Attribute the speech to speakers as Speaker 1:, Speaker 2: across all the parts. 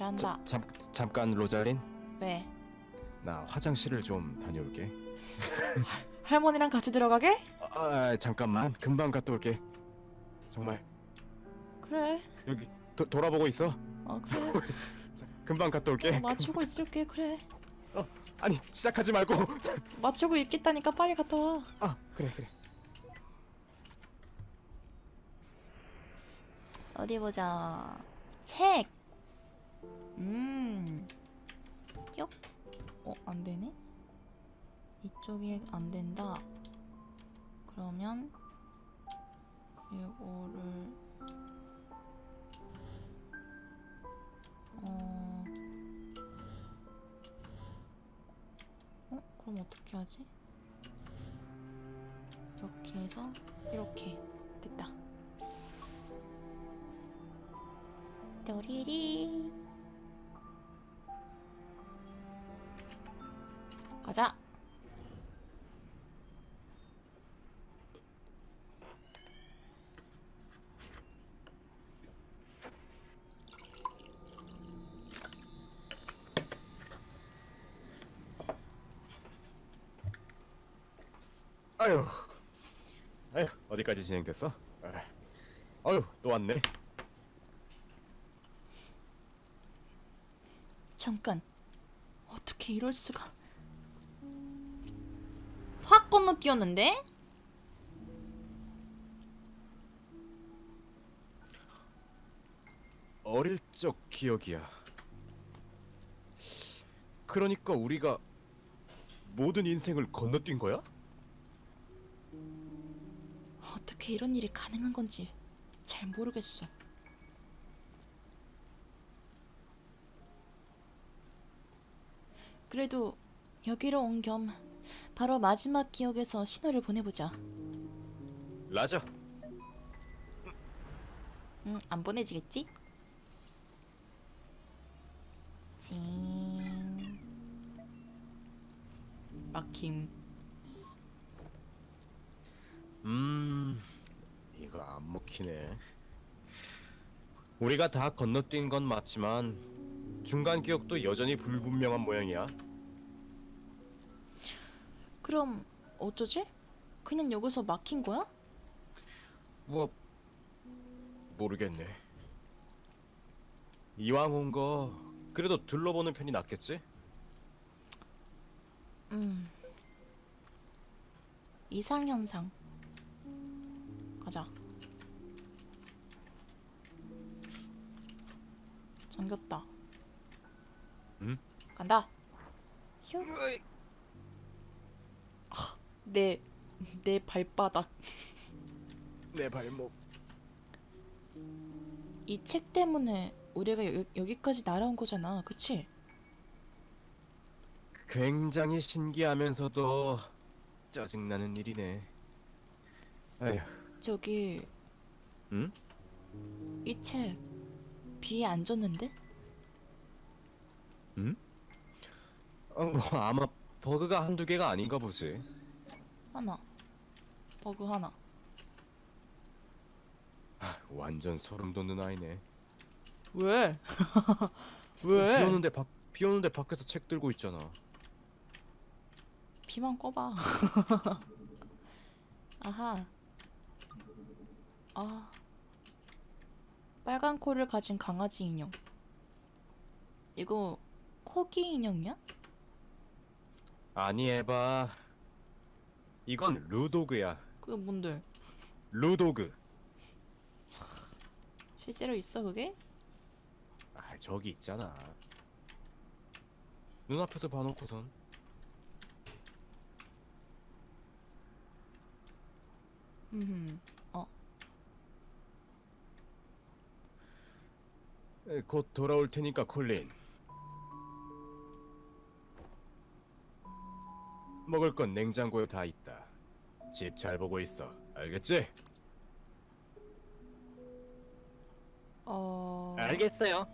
Speaker 1: 베란다.
Speaker 2: 잠깐 로잘린.
Speaker 1: 왜?
Speaker 2: 나 화장실을 좀 다녀올게.
Speaker 1: 할머니랑 같이 들어가게?
Speaker 2: 잠깐만. 금방 갔다 올게. 정말
Speaker 1: 그래.
Speaker 2: 여기 돌아보고 있어.
Speaker 1: 그래.
Speaker 2: 금방 갔다 올게.
Speaker 1: 맞추고 있을게. 그래.
Speaker 2: 아니 시작하지 말고.
Speaker 1: 맞추고 있겠다니까 빨리 갔다 와.
Speaker 2: 그래.
Speaker 1: 어디 보자. 책. 뿅. 안 되네. 이쪽이 안 된다. 그러면 이거를 그럼 어떻게 하지? 이렇게 해서 이렇게 됐다. 또리리 가자.
Speaker 2: 아휴 어디까지 진행됐어? 또 왔네.
Speaker 1: 잠깐. 어떻게 이럴 수가. 확 건너뛰었는데?
Speaker 2: 어릴 적 기억이야. 그러니까 우리가 모든 인생을 건너뛴 거야?
Speaker 1: 어떻게 이런 일이 가능한 건지 잘 모르겠어. 그래도 여기로 온 겸 바로 마지막 기억에서 신호를 보내보자.
Speaker 2: 라자.
Speaker 1: 안 보내지겠지? 징. 막힘.
Speaker 2: 이거 안 먹히네. 우리가 다 건너뛴 건 맞지만 중간 기억도 여전히 불분명한 모양이야.
Speaker 1: 그럼 어쩌지? 그냥 여기서 막힌 거야?
Speaker 2: 모르겠네. 이왕 온 거 그래도 둘러보는 편이 낫겠지?
Speaker 1: 이상현상. 가자. 잠겼다. 간다. 휴. 내 발바닥.
Speaker 2: 내 발목.
Speaker 1: 이 책 때문에 우리가 여기까지 날아온 거잖아, 그치?
Speaker 2: 굉장히 신기하면서도 짜증나는 일이네. 아휴.
Speaker 1: 저기
Speaker 2: 응?
Speaker 1: 이 책 비에 안 젖는데?
Speaker 2: 응? 아마 버그가 한두 개가 아닌가 보지.
Speaker 1: 하나. 버그 하나.
Speaker 2: 완전 소름 돋는 아이네.
Speaker 1: 왜? 왜?
Speaker 2: 비 오는데 밖에서 책 들고 있잖아.
Speaker 1: 비만 꺼봐. 아하. 빨간 코를 가진 강아지 인형. 이거 코기 인형이야?
Speaker 2: 아니 에바. 이건 루도그야.
Speaker 1: 그게 뭔데?
Speaker 2: 루도그.
Speaker 1: 실제로 있어 그게?
Speaker 2: 저기 있잖아. 눈앞에서 봐놓고선. 곧 돌아올 테니까 콜린. 먹을 건 냉장고에 다 있다. 집 잘 보고 있어. 알겠지? 알겠어요.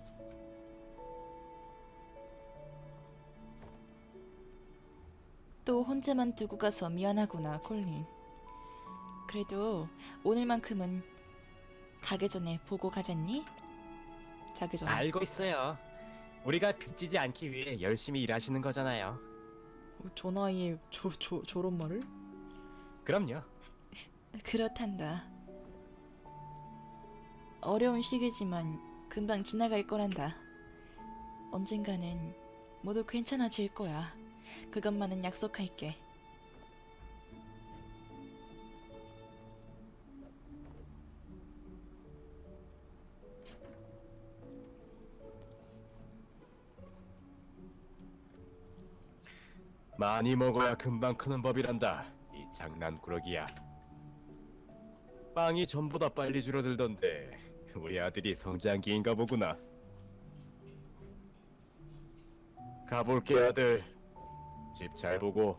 Speaker 1: 또 혼자만 두고 가서 미안하구나, 콜린. 그래도 오늘만큼은 가기 전에 보고 가잖니? 자기 전에.
Speaker 2: 알고 있어요. 우리가 빚지지 않기 위해 열심히 일하시는 거잖아요.
Speaker 3: 저 나이에 저런 말을?
Speaker 2: 그럼요.
Speaker 1: 그렇단다. 어려운 시기지만 금방 지나갈 거란다. 언젠가는 모두 괜찮아질 거야. 그것만은 약속할게.
Speaker 2: 많이 먹어야 금방 크는 법이란다. 이 장난꾸러기야. 빵이 전보다 빨리 줄어들던데 우리 아들이 성장기인가 보구나. 가볼게 아들. 집 잘 보고.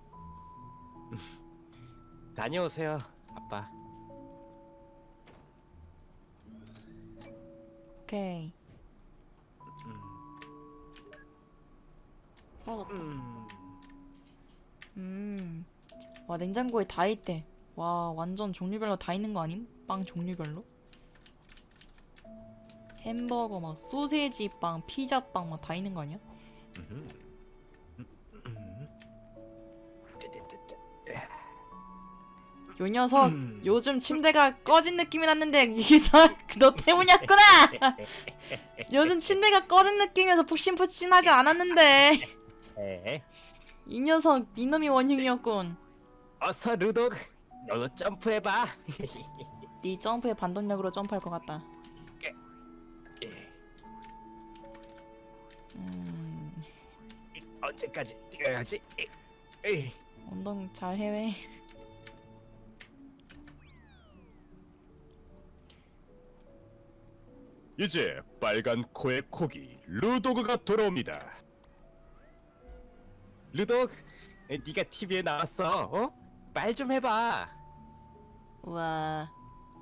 Speaker 2: 다녀오세요 아빠.
Speaker 1: 오케이. 사라졌다. 와, 냉장고에 다 있대. 와, 완전 종류별로 다 있는 거 아님? 빵 종류별로? 햄버거 막 소세지 빵, 피자 빵 막 다 있는 거 아니야? 요 녀석 요즘 침대가 꺼진 느낌이 났는데 이게 다 너 때문이었구나. 요즘 침대가 꺼진 느낌이어서 푹신푹신하지 않았는데 이 녀석 이놈이 원흉이었군.
Speaker 2: 어서 루독, 너도 점프해봐.
Speaker 1: 네 점프에 반동력으로 점프할 것 같다.
Speaker 2: 언제까지 뛰어야지?
Speaker 1: 운동 잘 해외.
Speaker 2: 이제 빨간 코의 코기 루도그가 돌아옵니다. 루독, 네가 TV에 나왔어. 어? 말 좀 해봐.
Speaker 1: 우와.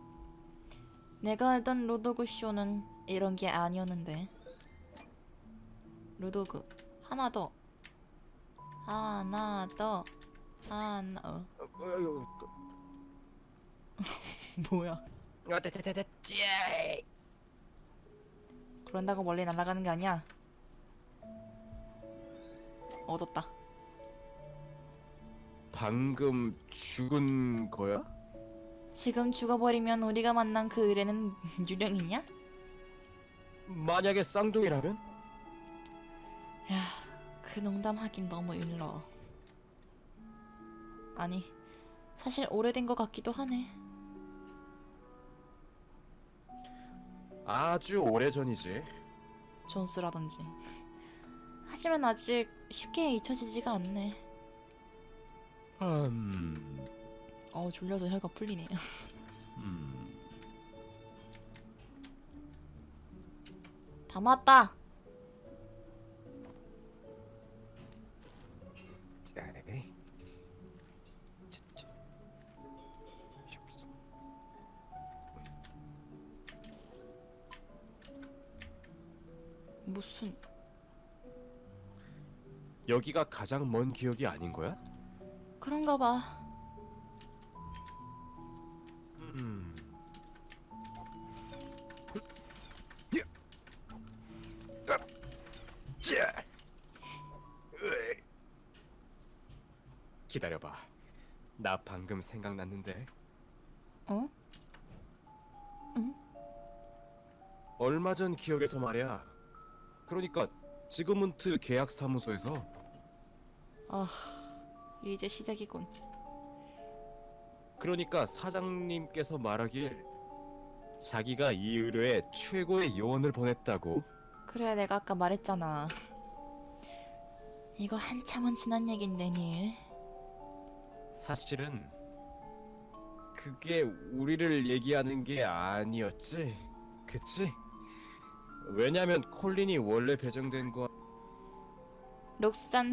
Speaker 1: 내가 알던 로도그 쇼는 이런 게 아니었는데. 로도그 하나 더. 하나 더. 하나 뭐야? 그런다고 멀리 날아가는 게 아니야. 얻었다.
Speaker 2: 방금 죽은 거야?
Speaker 1: 지금 죽어버리면 우리가 만난 그 의뢰는 유령이냐?
Speaker 2: 만약에 쌍둥이라면?
Speaker 1: 야, 그 농담하긴 너무 일러. 아니, 사실 오래된 것 같기도 하네.
Speaker 2: 아주 오래전이지.
Speaker 1: 존스라든지. 하지만 아직 쉽게 잊혀지지가 않네. 졸려서 혀가 풀리네. 다 맞다. 무슨
Speaker 2: 여기가 가장 먼 기억이 아닌 거야?
Speaker 1: 그런가 봐.
Speaker 2: 기다려봐. 나 방금 생각났는데.
Speaker 1: 어?
Speaker 2: 얼마 전 기억에서 말이야. 그러니까 지그문트 계약사무소에서.
Speaker 1: 아, 이제 시작이군.
Speaker 2: 그러니까 사장님께서 말하길 자기가 이 의뢰에 최고의 요원을 보냈다고.
Speaker 1: 그래, 내가 아까 말했잖아. 이거 한참은 지난 얘긴데, 닐.
Speaker 2: 사실은 그게 우리를 얘기하는 게 아니었지, 그치? 왜냐면 콜린이 원래 배정된 거
Speaker 1: 록산.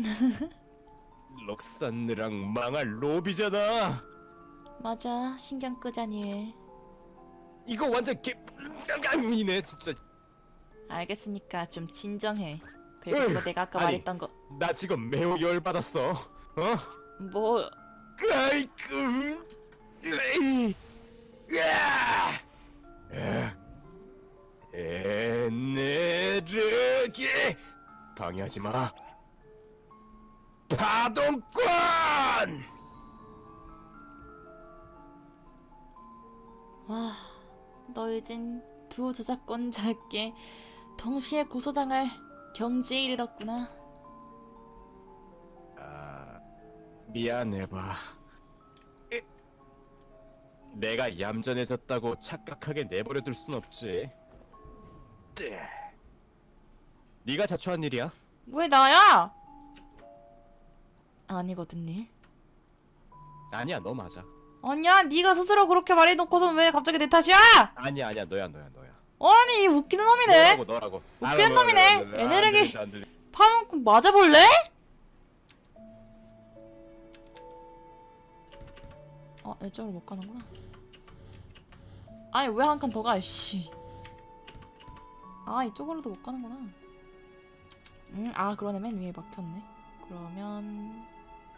Speaker 2: 럭산느랑 망할 로비잖아.
Speaker 1: 맞아, 신경 끄자, 닐.
Speaker 2: 이거 완전 개이네 진짜.
Speaker 1: 알겠으니까 좀 진정해. 그리고
Speaker 2: 으이,
Speaker 1: 그거 내가 아까
Speaker 2: 아니.
Speaker 1: 말했던 거.
Speaker 2: 나 지금 매우 열받았어. 어?
Speaker 1: 뭐,
Speaker 2: 아이쿠. 으이. 으아! 에네르기 방해하지 마. 파동권!
Speaker 1: 와, 너 이젠 두 저작권자께 동시에 고소당할 경지에 이르렀구나.
Speaker 2: 아, 미안해 봐. 내가 얌전해졌다고 착각하게 내버려둘 순 없지. 네가 자초한 일이야.
Speaker 1: 왜 나야? 아니거든 니.
Speaker 2: 아니야, 너 맞아.
Speaker 1: 아니야, 네가 스스로 그렇게 말해놓고선 왜 갑자기 내 탓이야?
Speaker 2: 아니야, 너야.
Speaker 1: 아니, 이 웃기는 놈이네.
Speaker 2: 너라고.
Speaker 1: 웃기는 놈이네. 에네르기
Speaker 2: 안 들려.
Speaker 1: 파는 맞아볼래? 이쪽으로 못 가는구나. 아니, 왜 한 칸 더 가, 씨. 이쪽으로도 못 가는구나. 그러네. 맨 위에 막혔네. 그러면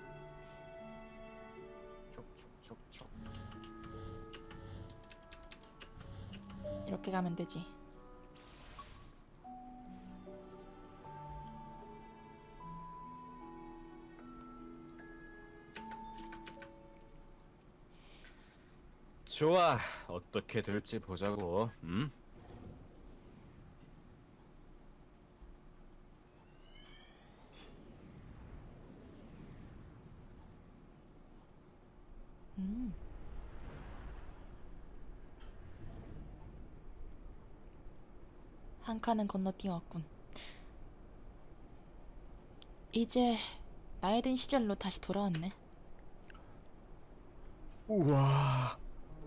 Speaker 2: 촉촉촉촉.
Speaker 1: 이렇게 가면 되지.
Speaker 2: 좋아, 어떻게 될지 보자고. 응?
Speaker 1: 한 칸은 건너뛰어왔군. 이제 나이 든 시절로 다시 돌아왔네.
Speaker 2: 우와.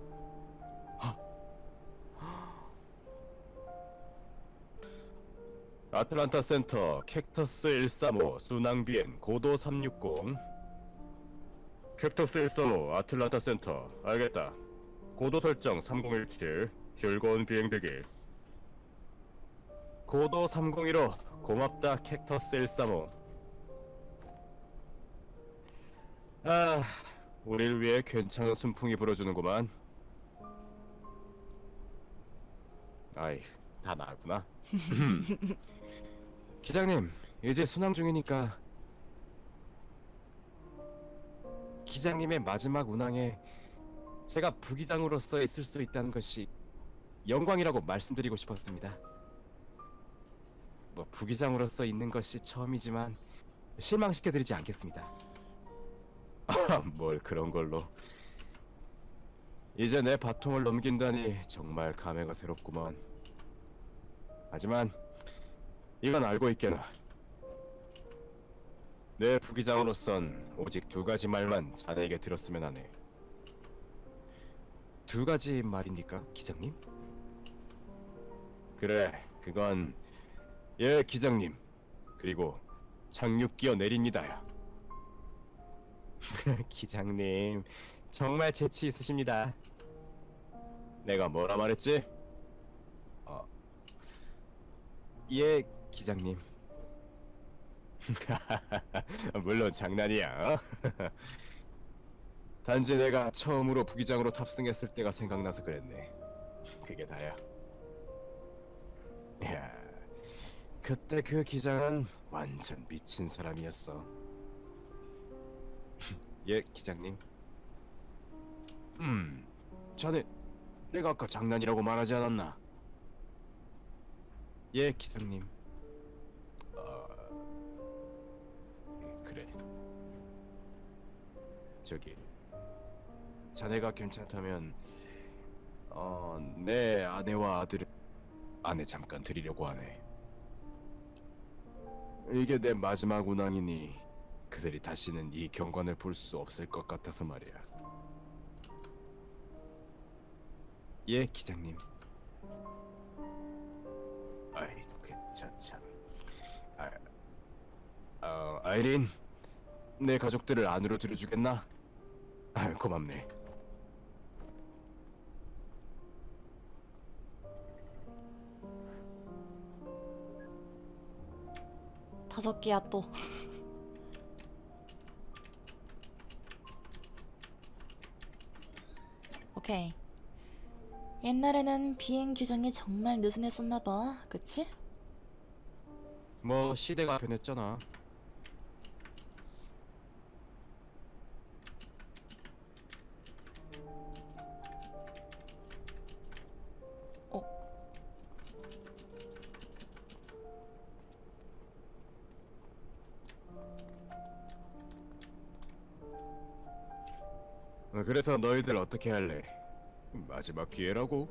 Speaker 2: 아틀란타 센터 캡터스 135 순항비행 고도 360. 캡터스 135 아틀란타 센터 알겠다. 고도 설정 3017 즐거운 비행 되길. 고도 301호 고맙다 캡터스 135. 우릴 위해 괜찮은 순풍이 불어주는구만. 아이, 다 나구나. 기장님, 이제 순항 중이니까 기장님의 마지막 운항에 제가 부기장으로서 있을 수 있다는 것이 영광이라고 말씀드리고 싶었습니다. 뭐 부기장으로서 있는 것이 처음이지만 실망시켜드리지 않겠습니다. 뭘 그런 걸로. 이제 내 바통을 넘긴다니 정말 감회가 새롭구먼. 하지만 이건 알고 있게나. 내 부기장으로선 오직 두 가지 말만 자네에게 들었으면 하네. 두 가지 말입니까, 기장님? 그래, 그건 예, 기장님. 그리고 착륙기어 내립니다야. 기장님, 정말 재치 있으십니다. 내가 뭐라 말했지? 예, 기장님. 물론 장난이야. 단지 내가 처음으로 부기장으로 탑승했을 때가 생각나서 그랬네. 그게 다야. 야, 그때 그 기장은 완전 미친 사람이었어. 예, 기장님. 자네, 내가 아까 장난이라고 말하지 않았나? 예, 기장님. 그래. 저기, 자네가 괜찮다면 내 아내와 아들을 아내 잠깐 드리려고 하네. 이게 내 마지막 운항이니 그들이 다시는 이 경관을 볼 수 없을 것 같아서 말이야. 예, 기장님. 아이, 참. 아이린, 내 가족들을 안으로 들여주겠나? 고맙네.
Speaker 1: 다섯 개야 또. 오케이. 옛날에는 비행 규정이 정말 느슨했었나봐, 그치?
Speaker 2: 뭐 시대가 변했잖아.
Speaker 3: 어?
Speaker 2: 그래서 너희들 어떻게 할래? 마지막 기회라고?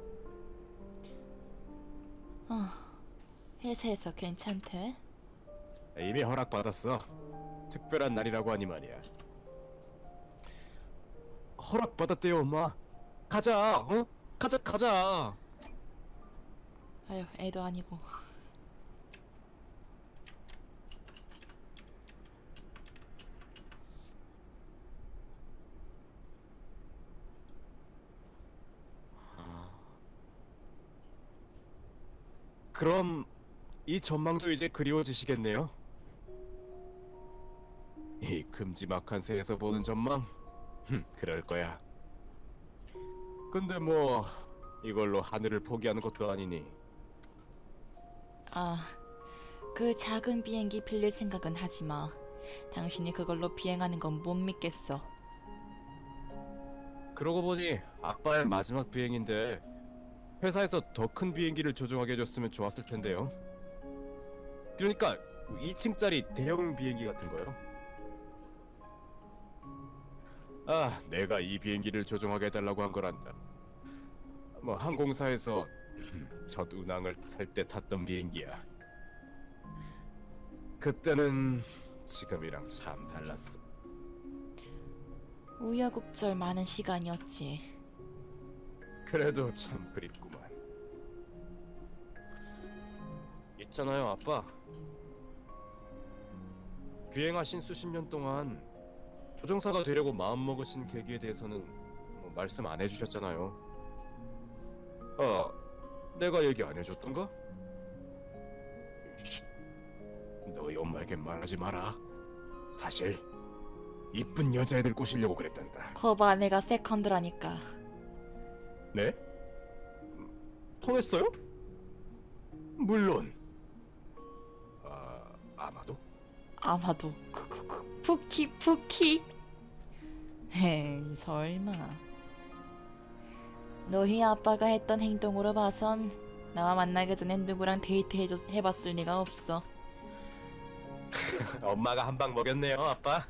Speaker 3: 회사에서 괜찮대?
Speaker 2: 이미 허락받았어. 특별한 날이라고 하니 말이야. 허락받았대요, 엄마. 가자, 어? 가자.
Speaker 3: 아유, 애도 아니고.
Speaker 2: 그럼 이 전망도 이제 그리워지시겠네요? 이 큼지막한 새에서 보는 전망? 그럴 거야. 근데 뭐 이걸로 하늘을 포기하는 것도 아니니.
Speaker 3: 아, 그 작은 비행기 빌릴 생각은 하지 마. 당신이 그걸로 비행하는 건 못 믿겠어.
Speaker 2: 그러고 보니 아빠의 마지막 비행인데 회사에서 더 큰 비행기를 조종하게 해줬으면 좋았을 텐데요. 그러니까 2층짜리 대형 비행기 같은 거요. 아, 내가 이 비행기를 조종하게 해달라고 한 거란다. 뭐 항공사에서 첫 운항을 탈 때 탔던 비행기야. 그때는 지금이랑 참 달랐어.
Speaker 3: 우여곡절 많은 시간이었지.
Speaker 2: 그래도 참 그립구만. 있잖아요, 아빠. 비행하신 수십 년 동안 조종사가 되려고 마음먹으신 계기에 대해서는 뭐 말씀 안 해주셨잖아요. 내가 얘기 안 해줬던가? 쉿, 너희 엄마에게 말하지 마라. 사실 이쁜 여자애들 꼬시려고 그랬단다.
Speaker 3: 거봐, 내가 세컨드라니까.
Speaker 2: 네? 통했어요? 물론. 아마도?
Speaker 3: 아마도 푸키. 에이, 설마. 너희 아빠가 했던 행동으로 봐선 나와 만나기 전에 누구랑 데이트 해봤을 리가 없어.
Speaker 2: 엄마가 한 방 먹였네요, 아빠.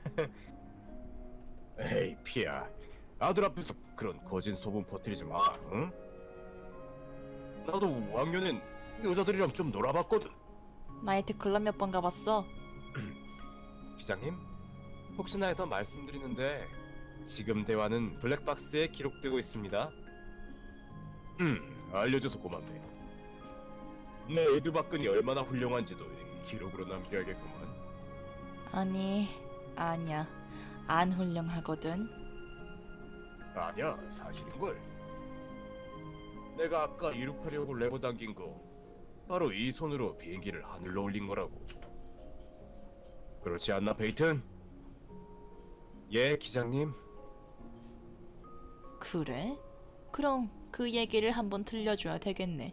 Speaker 2: 에이, 피야. 아들 앞에서 그런 거짓 소문 퍼뜨리지 마, 응? 나도 5학년엔 여자들이랑 좀 놀아봤거든.
Speaker 3: 나이트클럽 몇 번 가봤어?
Speaker 2: 기장님, 혹시나 해서 말씀드리는데 지금 대화는 블랙박스에 기록되고 있습니다. 알려줘서 고맙네. 내 에드박근이 얼마나 훌륭한지도 기록으로 남겨야겠구만.
Speaker 3: 아니야. 안 훌륭하거든.
Speaker 2: 아니야, 사실인걸. 내가 아까 이륙하려고 레버 당긴 거 바로 이 손으로 비행기를 하늘로 올린 거라고. 그렇지 않나, 베이튼? 예, 기장님.
Speaker 3: 그래? 그럼 그 얘기를 한번 들려줘야 되겠네.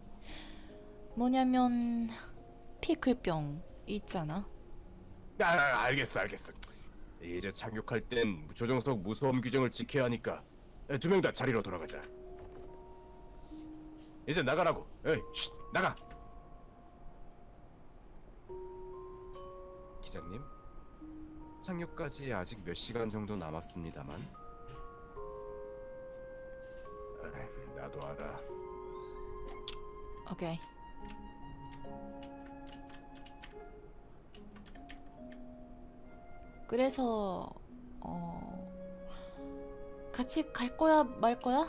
Speaker 3: 뭐냐면 피클병 있잖아.
Speaker 2: 알겠어. 이제 착륙할 땐 조종석 무소음 규정을 지켜야 하니까 두 명 다 자리로 돌아가자. 이제 나가라고. 에이, 쉿, 나가. 기장님, 착륙까지 아직 몇 시간 정도 남았습니다만. 나도 알아.
Speaker 3: 오케이. 그래서 같이 갈 거야 말 거야?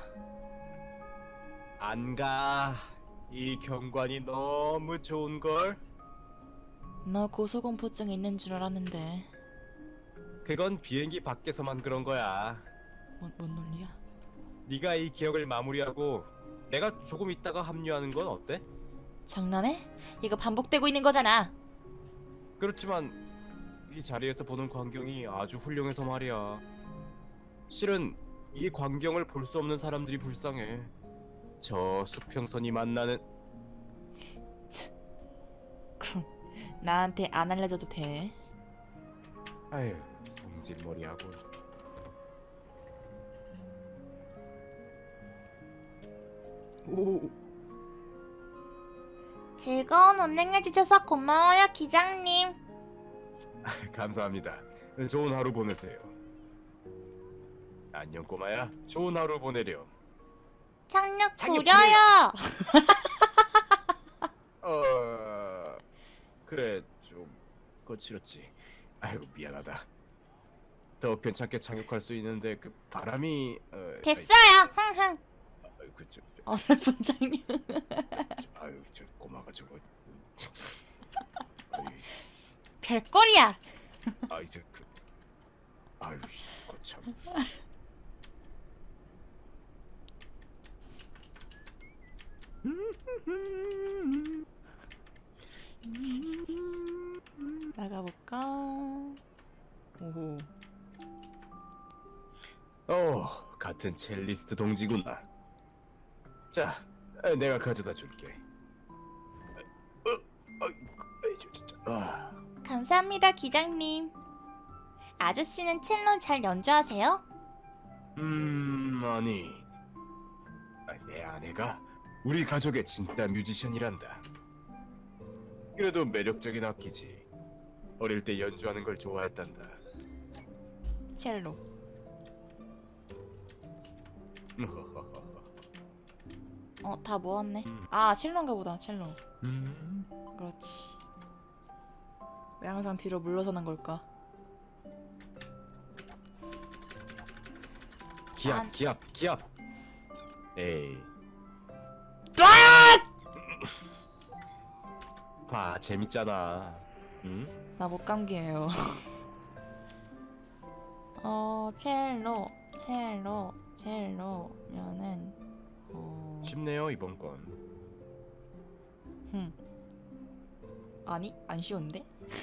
Speaker 2: 안 가. 이 경관이 너무 좋은 걸.
Speaker 3: 너 고소공포증 있는 줄 알았는데.
Speaker 2: 그건 비행기 밖에서만 그런 거야.
Speaker 3: 뭔 논리야?
Speaker 2: 네가 이 기억을 마무리하고 내가 조금 있다가 합류하는 건 어때?
Speaker 3: 장난해? 이거 반복되고 있는 거잖아.
Speaker 2: 그렇지만 이 자리에서 보는 광경이 아주 훌륭해서 말이야. 실은 이 광경을 볼 수 없는 사람들이 불쌍해. 저 수평선이 만나는
Speaker 3: 나한테 안 알려줘도 돼.
Speaker 2: 아유, 성질머리하고.
Speaker 1: 오.
Speaker 3: 즐거운 운행해주셔서 고마워요, 기장님.
Speaker 2: 감사합니다. 좋은 하루 보내세요. 안녕 꼬마야. 좋은 하루 보내렴.
Speaker 3: 착륙
Speaker 2: 착륙
Speaker 3: 구려요.
Speaker 2: 그래 좀 거칠었지. 아이고 미안하다. 더 괜찮게 착륙할 수 있는데 그 바람이
Speaker 3: 됐어요. 흥흥.
Speaker 2: 그저
Speaker 1: 어설픈 장면.
Speaker 2: 아유 저 꼬마가 저거 아유,
Speaker 3: 별꼴이야.
Speaker 2: 아이 저그 아유 거참.
Speaker 1: 나가볼까? 오호.
Speaker 2: 같은 첼리스트 동지구나. 자, 내가 가져다 줄게.
Speaker 3: 감사합니다, 기장님. 아저씨는 첼로 잘 연주하세요?
Speaker 2: 아니, 내 아내가 우리 가족의 진짜 뮤지션이란다. 그래도 매력적인 악기지. 어릴 때 연주하는 걸 좋아했단다.
Speaker 1: 첼로. 다 모았네. 아, 첼로인가 보다. 첼로. 그렇지. 왜 항상 뒤로 물러서는 걸까?
Speaker 2: 기합. 에이. 봐, 재밌잖아. 응?
Speaker 1: 나 못 감기예요. 첼로면은
Speaker 2: 쉽네요 이번 건.
Speaker 1: 아니, 안 쉬운데?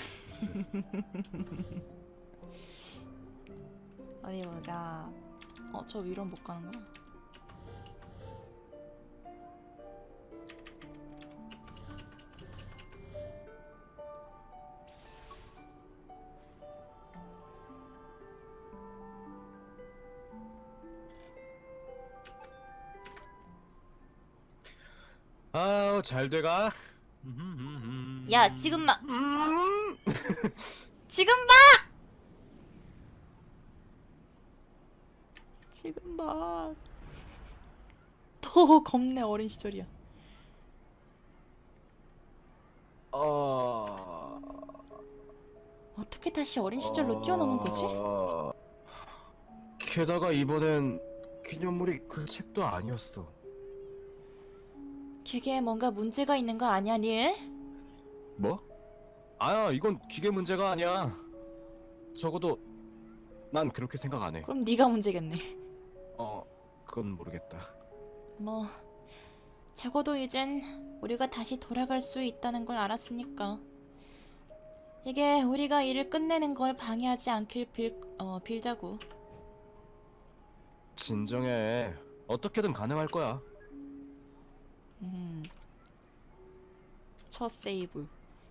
Speaker 1: 어디 보자. 저 위로 못 가는 거야?
Speaker 2: 아우 잘 돼가.
Speaker 3: 야, 지금 막 지금
Speaker 1: 지금 봐. 더 겁내 어린 시절이야. 어떻게 다시 어린 시절로 뛰어넘은 거지?
Speaker 2: 게다가 이번엔 기념물이 그 책도 아니었어.
Speaker 3: 기계에 뭔가 문제가 있는 거 아니야, 닐?
Speaker 2: 뭐? 아야 이건 기계 문제가 아니야. 적어도 난 그렇게 생각 안 해.
Speaker 1: 그럼 네가 문제겠네.
Speaker 2: 그건 모르겠다.
Speaker 3: 뭐 적어도 이젠 우리가 다시 돌아갈 수 있다는 걸 알았으니까 이게 우리가 일을 끝내는 걸 방해하지 않길 빌자고.
Speaker 2: 진정해. 어떻게든 가능할 거야.
Speaker 1: 첫 세이브.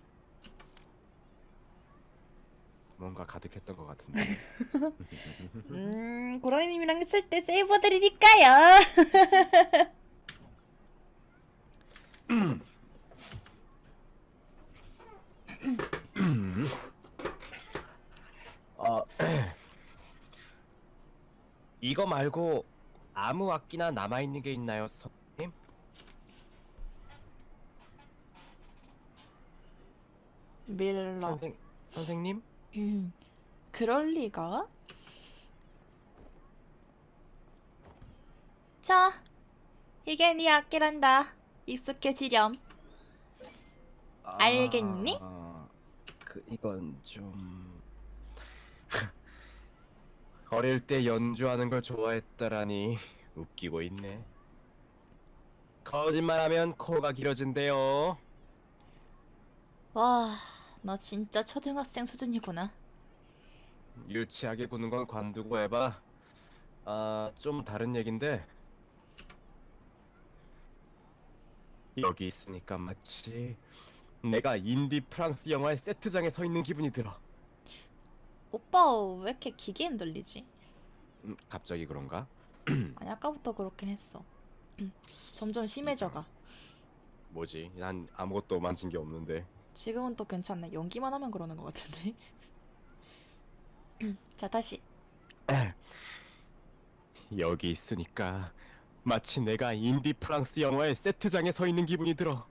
Speaker 2: 뭔가 가득했던 것 같은데.
Speaker 1: 고라니님이랑 했을 때 세이버 드리니까요.
Speaker 2: 이거 말고 아무 악기나 남아있는 게 있나요, 선생님?
Speaker 1: 밀러.
Speaker 2: 선생님?
Speaker 1: 그럴 리가?
Speaker 3: 자, 이게 네 악기란다. 익숙해지렴. 알겠니?
Speaker 2: 이건 좀 어릴 때 연주하는 걸 좋아했다라니 웃기고 있네. 거짓말하면 코가 길어진대요.
Speaker 3: 와, 너 진짜 초등학생 수준이구나.
Speaker 2: 유치하게 구는 건 관두고 해봐. 좀 다른 얘긴데 여기 있으니까 마치 내가 인디 프랑스 영화의 세트장에 서 있는 기분이 들어.
Speaker 3: 오빠 왜 이렇게 기계 흔들리지?
Speaker 2: 갑자기 그런가?
Speaker 3: 아니 아까부터 그렇긴 했어. 점점 심해져가.
Speaker 2: 뭐지? 난 아무것도 만진 게 없는데.
Speaker 3: 지금은 또 괜찮네. 연기만 하면 그러는 것 같은데. 자 다시.
Speaker 2: 여기 있으니까 마치 내가 인디 프랑스 영화의 세트장에 서 있는 기분이 들어.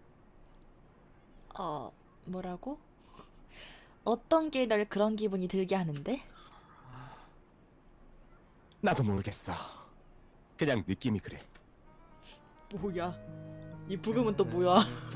Speaker 3: 뭐라고? 어떤 게 널 그런 기분이 들게 하는데?
Speaker 2: 나도 모르겠어. 그냥 느낌이 그래.
Speaker 1: 뭐야? 이 부금은 또 뭐야?